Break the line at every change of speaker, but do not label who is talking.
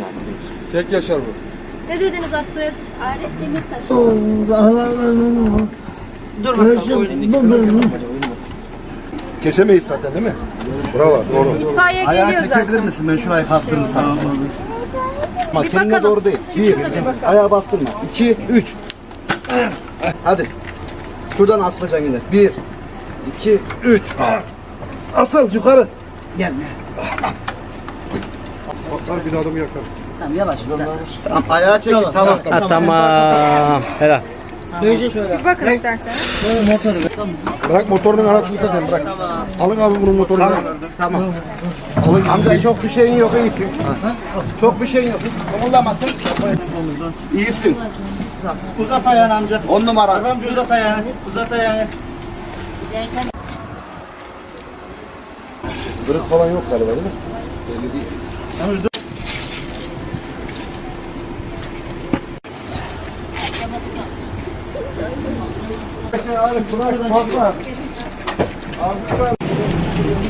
Tek yaşar bu.
Ne dediniz Aksoy'a?
Arif Demirtaş.
Dur bakalım.
Kesemeyiz zaten değil mi? Bravo, doğru.
İtfaiye
Ayağı
geliyor
çekebilir
zaten.
misin? Ben şurayı kastırırım sana.
Bak kendine
bakalım.
doğru değil.
Çıksın da bir bakalım.
Ayağı bastırma. 2, 3. Hadi. Şuradan asılacaksın yine. 1, 2, 3. Asıl yukarı.
Gelme.
Bak bir adamı yakarsın.
Tamam yavaş.
Tamam, ayağı çek. Tamam.
Tamam. Helal.
Böylece şöyle.
Bir bakın isterseniz.
Motoru. Tamam.
Bırak motorunun arasını zaten bırak. Alın abi bunun motorunu.
Tamam.
Alın. Amca çok bir şeyin yok, iyisin. Çok bir şeyin yok. Hiç kımıldamasın. İyisin.
Uzat ayağını amca.
10 numara.
Amca uzat ayağını. Uzat ayağını.
Kırık falan yok galiba değil mi? Belli değil. Bırak, patla. Abi,